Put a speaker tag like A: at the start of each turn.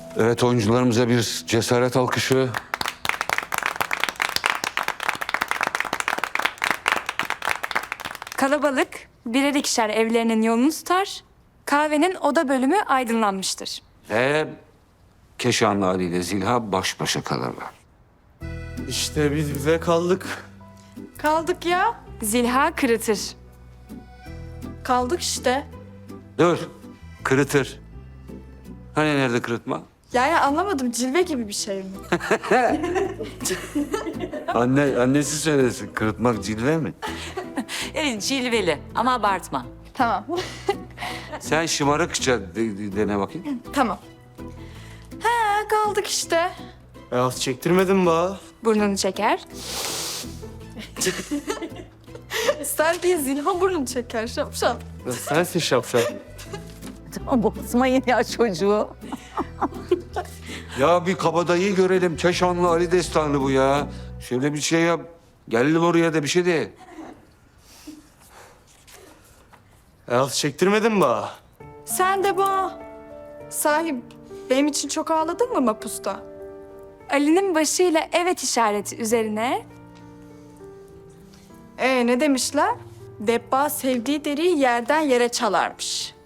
A: Evet, oyuncularımıza bir cesaret alkışı.
B: Kalabalık birer ikişer evlerinin yolunu tutar. Kahvenin oda bölümü aydınlanmıştır.
A: Ve Keşanlı Ali ile Zilha baş başa kalırlar.
C: İşte biz bize kaldık.
D: Kaldık ya.
B: Zilha kırıtır.
D: Kaldık işte.
A: Dur, kırıtır. Hani nerede kırıtma?
D: Yani anlamadım, cilve gibi bir şey mi?
A: Annesi söylesin, kırıtmak cilve mi?
E: Evet, cilveli ama abartma.
D: Tamam.
A: Sen şımarıkça dene bakayım.
D: Tamam. He, kaldık işte.
C: Az çektirmedin be.
B: Burnunu çeker.
D: Sen değil, Zilha burnunu çeker şapşal.
C: Sensin şapşal.
E: Tamam, bozmayın ya çocuğu.
A: Ya bir kabadayıyı görelim. Keşanlı Ali destanı bu ya. Şöyle bir şey yap. Gelelim oraya da bir şey de.
C: Az çektirmedin be.
D: Sen de bana. Sahi benim için çok ağladın mı mapusta?
B: Ali'nin başıyla evet işareti üzerine
D: Ne demişler? Debba sevdiği deriyi yerden yere çalarmış.